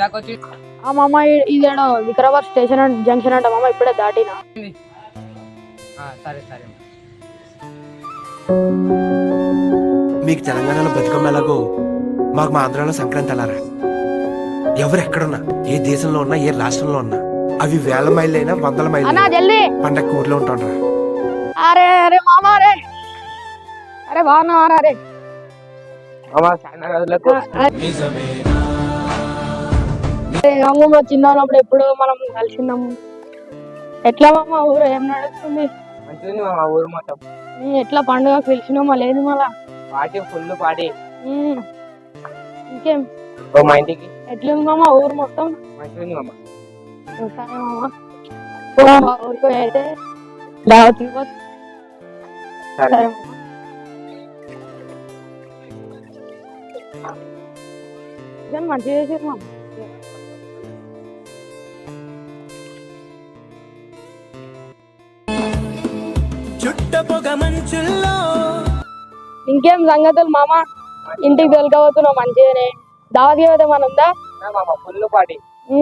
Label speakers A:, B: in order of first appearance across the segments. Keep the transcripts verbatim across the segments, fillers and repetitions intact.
A: ఇందాక వచ్చి
B: ఆ మామ ఇదేడో వికారాబాద్ స్టేషన్ జంక్షన్ అంట మామ, ఇప్పుడే దాటినా.
A: సరే సరే.
C: మీకు తెలంగాణలో బతుకమ్మ ఎలాగో మాకు మా ఆంధ్రాలో సంక్రాంతి అలారా. ఎవరు ఎక్కడున్నా, ఏ దేశంలో ఉన్నా, ఏ రాష్ట్రంలో ఉన్నా, అవి వేల మైళ్ళు అయినా వందల మైళ్ళు పండగ ఊర్లో ఉంటాండ్రా.
B: అరే అరే మామ, అరే అరే బాగున్నావారా? అరే అమ్మమ్మ చిన్నప్పుడు ఎప్పుడు మనం కలిసిందాము. ఎట్లా మామ ఊరు ఏం నడుస్తుంది?
A: మంచిది మా ఊరు మొత్తం.
B: ఎట్లా పండుగ పిలిచినామా? లేదు మళ్ళా
A: పార్టీ ఫుల్ పార్టీ.
B: ఇంకేం
A: మా ఇంటికి
B: ఎట్లుంది మామ ఊరు మొత్తం?
A: మంచిది మామ.
B: సరే మామ, ఊరికి అయితే దావత్ ఇవ్వచ్చు. సరే మంచిగా చేసేది మామ. ఇంకేం సంగతులు మామ? ఇంటికి తొలకపోతున్నావు మంచిగానే. దావత్ ఏమైతే మన ఉందా?
A: Full party.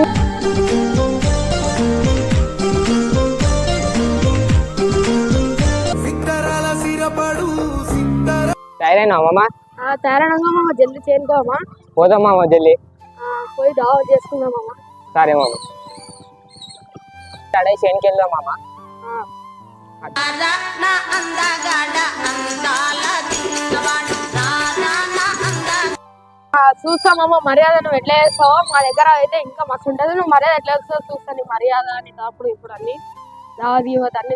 A: తయారైనా మామ?
B: తయారైనా మామ, జల్దీ చేరుకోమా.
A: పోదాం మామ జల్దీ.
B: పోయి దావత్ చేసుకుందాం మామ.
A: సరే మామ. అడే చేనుకి వెళ్దాం మామ.
B: చూస్తా మామ, మర్యాద నువ్వు ఎట్లా చేస్తావో మా దగ్గర అయితే ఇంకా మస్తు ఉంటది. నువ్వు మర్యాద ఎట్లా చేస్తావు చూస్తా. నీ మర్యాద అని అప్పుడు ఇప్పుడు అన్ని దావత్ గివత్ అన్ని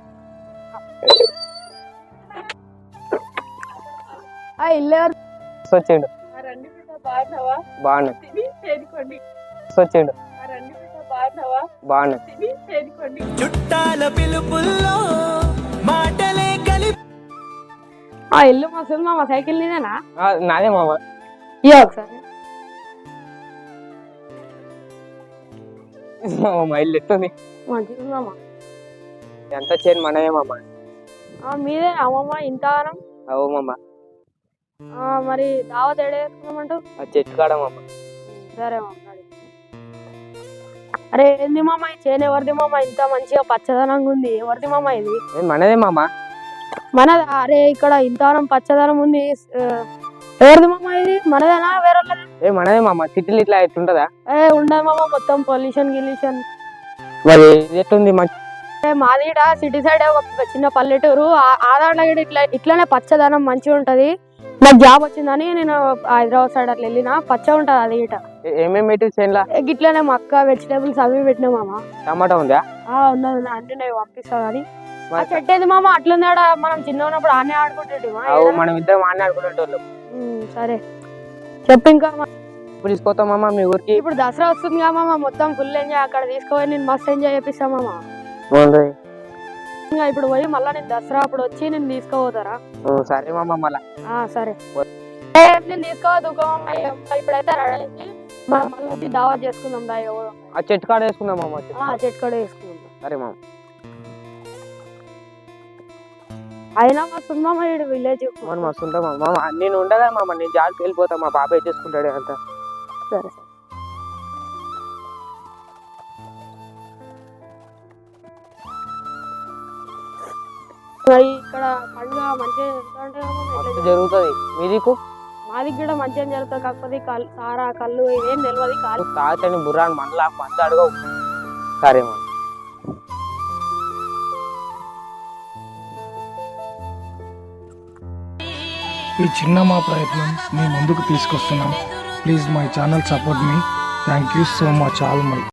A: వచ్చాడు. బాగున్నా వచ్చాడు. బాగున్నా.
C: చుట్టాల పిలుపుల్లో మాటలే కలిపి
B: ఆ ఇల్లు మస్తు మామ. సైకిల్ నీదేనా?
A: నాదే మామ.
B: ఇయ్య ఒకసారి.
A: మా ఇల్లు ఎట్టుంది?
B: మంచిది మామ.
A: ఎంత చేను మనమే మామ.
B: మీదే అమ్మమ్మ ఇంతగానం?
A: అవు మామ.
B: మరి దావత్ ఏడ వేసుకున్నామంటావు?
A: ఆ చెట్టు కాడ మామ.
B: సరే మామ. అరే ఏంది మామ ఈ చేను ఎవరిది మామ? ఇంత మంచిగా పచ్చదనంగా ఉంది. ఎవరిది మామ ఇది?
A: మనదే మామ.
B: మనది? అరే ఇక్కడ ఇంతగానం పచ్చదనం ఉంది. ఎవరిది మామ ఇది? మనదేనా వేరే?
A: ఏ మనదే మామ. సిటీలు ఇట్లా ఎట్లుంటదా?
B: ఏ ఉండదు మామ, మొత్తం పొల్యూషన్ గిల్యూషన్.
A: మరి ఎట్లుంది?
B: మాది సిటీ సైడ్ ఒక చిన్న పల్లెటూరు. ఆదాంట్లో ఇట్లా ఇట్లానే పచ్చదనం మంచిగా ఉంటది. నాకు జాబ్ వచ్చిందని నేను హైదరాబాద్ సైడ్ అట్లా వెళ్ళిన. పచ్చ ఉంటది అది ఇట.
A: ఏమేమి
B: ఇట్లానే మక్క వెజిటేబుల్స్ అవి పెట్టినా మామ.
A: టమాటా ఉందా?
B: ఉన్నది అంటే నేను పంపిస్తా కానీ. చెట్టు ఏది మామ? అట్లుంది. మనం చిన్న ఉన్నప్పుడు ఆనే ఆడుకుంటే
A: మనం ఇద్దరం ఆనే ఆడుకునేటోళ్ళు.
B: సరే చెప్పు ఇంకా.
A: ఇప్పుడు తీసుకొస్తాం మామ మీ ఊరికి.
B: ఇప్పుడు దసరా వస్తుంది కదా మామ, మొత్తం ఫుల్ ఎంజాయ్. అక్కడ తీసుకుపోయి నేను మస్తు ఎంజాయ్ చేపిస్తా మామ. ఇప్పుడు పోయి మళ్ళా నేను దసరా అప్పుడు వచ్చి నేను తీసుకుపోతారా?
A: సరే మామ. మళ్ళా
B: సరే నేను తీసుకోవద్దు. ఇప్పుడైతే మళ్ళీ దావత్ చేసుకుందాం. దా
A: ఆ చెట్టు కాడ వేసుకుందాం మామ.
B: చెట్టు కాడ వేసుకుందాం.
A: సరే మామ.
B: అయినా మస్తు మామ ఈడు విలేజ్.
A: మస్తు ఉంటా మామ. నేను ఉండగా మామ, నేను జాబ్కి వెళ్ళిపోతా. మా బాబాయ్ చేసుకుంటాడు అంతా.
B: సరే ఇక్కడ పండుగ మంచిగా
A: జరుగుతుంది. మీదికు
B: మాది కూడా మంచిగా జరుగుతుంది. కాకపోతే సారా కళ్ళు ఇవేం తెలియదు. కాలు
A: తాతని బుర్రాని మనలా మంది అడగవు. సరే మా.
D: ఈ చిన్న మా ప్రయత్నం మీ ముందుకు తీసుకొస్తున్నాం. Please my channel support me. Thank you so much all my.